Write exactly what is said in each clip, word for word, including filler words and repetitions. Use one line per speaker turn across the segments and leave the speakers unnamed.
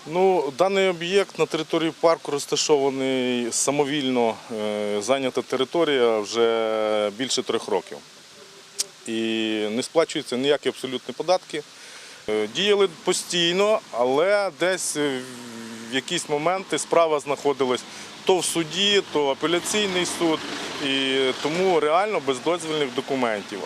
Ну, даний об'єкт на території парку розташований самовільно, е, зайнята територія вже більше трьох років. І не сплачуються ніякі абсолютні податки. Е, Діяли постійно, але десь в якісь моменти справа знаходилась то в суді, то апеляційний суд, і тому реально без дозвільних документів.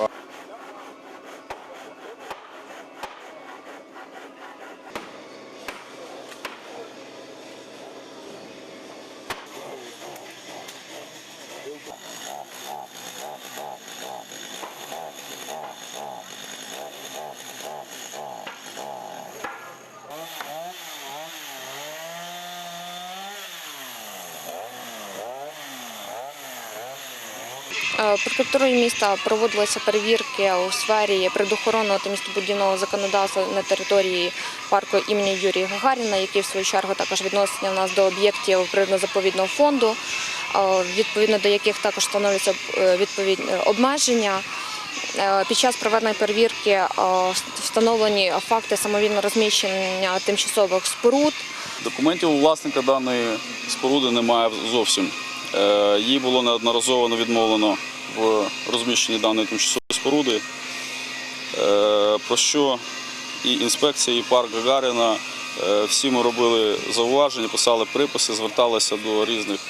Прокуратурою міста проводилися перевірки у сфері природоохоронного та містобудівного законодавства на території парку імені Юрія Гагаріна, який в свою чергу також відноситься у нас до об'єктів природно-заповідного фонду, відповідно до яких також встановлюються відповідні обмеження. Під час проведеної перевірки встановлені факти самовільного розміщення тимчасових споруд.
Документів у власника даної споруди немає зовсім. Їй було неодноразово відмовлено в розміщенні даної тимчасової споруди, про що і інспекція, і парк Гагаріна, всі ми робили зауваження, писали приписи, зверталися до різних,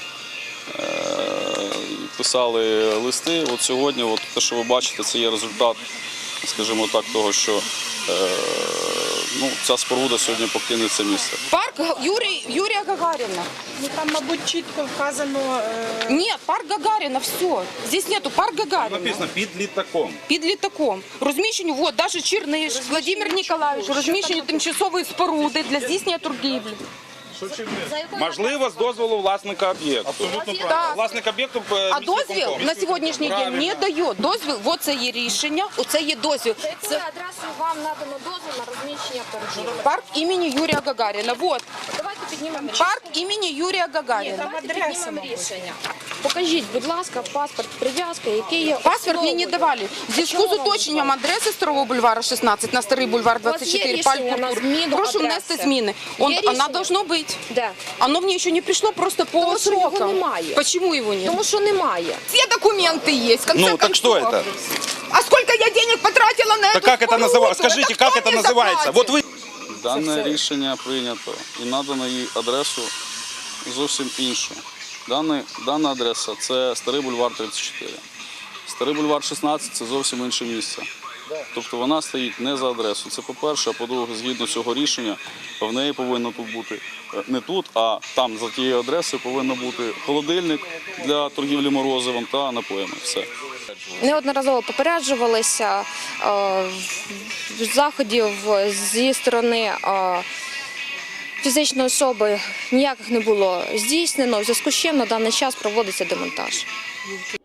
писали листи. От сьогодні, от те, що ви бачите, це є результат, скажімо так, того, що ну, ця споруда сьогодні покине це місце.
Парк Юрій, Юрія Гагаріна.
Ну, там, мабуть, чітко вказано... Е...
Ні, парк Гагаріна, все. Здесь нету парк Гагаріна.
Написано під літаком.
Під літаком. Розміщені, от, навіть Чірниш, Владимир Ніколаєвич, розміщені тимчасові споруди для здійснення торгівлі.
Можливо, з дозволу власника об'єкту.
Абсолютно
Так.
правильно.
Власник об'єкту
А дозвіл на сьогоднішній день не дає. Дозвіл, от це є рішення, оце є дозвіл.
За якою адресою вам надано дозвіл на розміщення торгівлі?
Парк імені Юрія Гагаріна. Вот.
Давайте піднімемо
Парк імені Юрія Гагаріна.
Давайте піднімемо рішення. Покажіть, будь ласка, паспорт, прив'язка, який є
Паспорт мені не
основою.
давали. В зв'язку з уточненням адреси Старого бульвара шістнадцять на Старий бульвар двадцять чотири,
рішення
парк
на
культури.
зміну
Прошу
адреси?
внести зміни. Он,
Є
она
рішення?
должно быть.
Де?
Оно мне еще не пришло просто по
Тому що його
срокам.
немає.
Почему его нет?
Тому що немає.
Все документы есть, в конце
Ну, так что
концов.
это?
А сколько я денег потратила на
Так
эту
как это
споруду?
называется? Скажите,
Это
как
кто
это
мне
называется?
заплатит?
Вот вы...
Дане рішення прийнято і надано їй адресу зовсім іншу. Дана, дана адреса – це Старий бульвар тридцять чотири. Старий бульвар шістнадцять – це зовсім інше місце. Тобто вона стоїть не за адресою. Це по-перше, а по-друге, згідно цього рішення, в неї повинно тут бути не тут, а там за тією адресою повинен бути холодильник для торгівлі морозивом та напоями. Все.
Неодноразово попереджувалися, е, заходів зі сторони е, фізичної особи ніяких не було здійснено, в зв'язку з чим на даний час проводиться демонтаж.